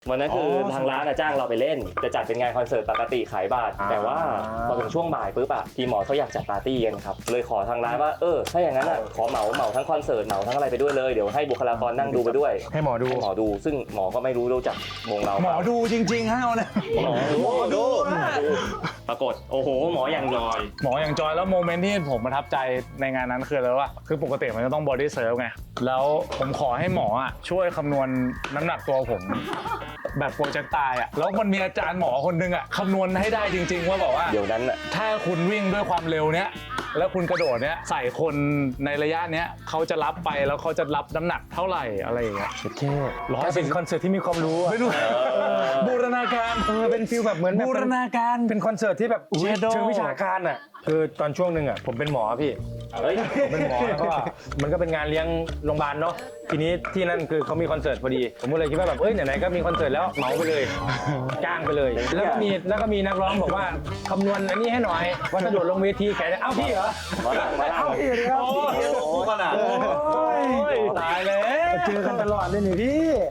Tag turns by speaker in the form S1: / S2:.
S1: วันนั้นคือทางร้านจ้างเราไปเล่นจะจัดเป็นงานคอนเสิร์ตปกติขายบัตรแต่ว่าพอถึงช่วงบ่ายปุ๊บอะทีมหมอเขาอยากจัดปาร์ตี้กันครับเลยขอทางร้านว่าถ้าอย่างนั้นขอเหมาทั้งคอนเสิร์ตเหมาทั้งอะไรไปด้วยเลยเดี๋ยวให้บุคลากรนั่งดูไปด้วย
S2: ให้หมอดู
S1: ซึ่งหมอก็ไม่รู้จักวงเรา
S2: หมอดูจริงๆฮะเอาเลย
S1: หมอดูปรากฏโอ้โหหมออย่างจอย
S3: แล้วโมเมนต์ที่ผมประทับใจในงานนั้นคืออะไรว่าคือปกติมันจะต้องบอดี้เซิร์ฟไงแล้วผมขอให้หมอช่วยคำนวณน้ำหนักตัวผมแบบโปรเจกต์ตายแล้วมันมีอาจารย์หมอคนนึงคำนวณให้ได้จริงๆว่าบอกว่า
S1: เดี๋ยวนั้น
S3: ถ้าคุณวิ่งด้วยความเร็วเนี้ยแล้วคุณกระโดดเนี้ยใส่คนในระยะเนี้ยเขาจะรับไปแล้วเขาจะรับน้ำหนักเท่าไหร่อะไรอย่างเงี้ย
S2: โอเคเป็นคอนเสิร์ตที่มีความรู้
S3: ไม่รู้บูรณาการ
S2: เป็นฟีลแบบเหมือน
S3: บูรณาการ
S2: เป็นคอนเสิร์ตที่แบบเชิงวิชาการคือตอนช่วงหนึ่งผมเป็นหมอพี่เป็นหมอแล้วก็มันก็เป็นงานเลี้ยงโรงพยาบาลเนาะทีนี้ที่นั่นคือเขามีคอนเสิร์ตพอดีผมก็เลยคิดว่าแบบไหนๆก็มีคอนเสิร์ตแล้วเหมาไปเลยจ้างไปเลยแล้วก็มีนักร้องบอกว่าคำนวณอันนี้ให้หน่อยว่าถ้าโดดลงเวทีแขนพี่เหรอ
S1: มา
S2: พี่ครับ
S3: ขนาดตายแล้ว
S2: เจอกันตลอดเลยนี่พี่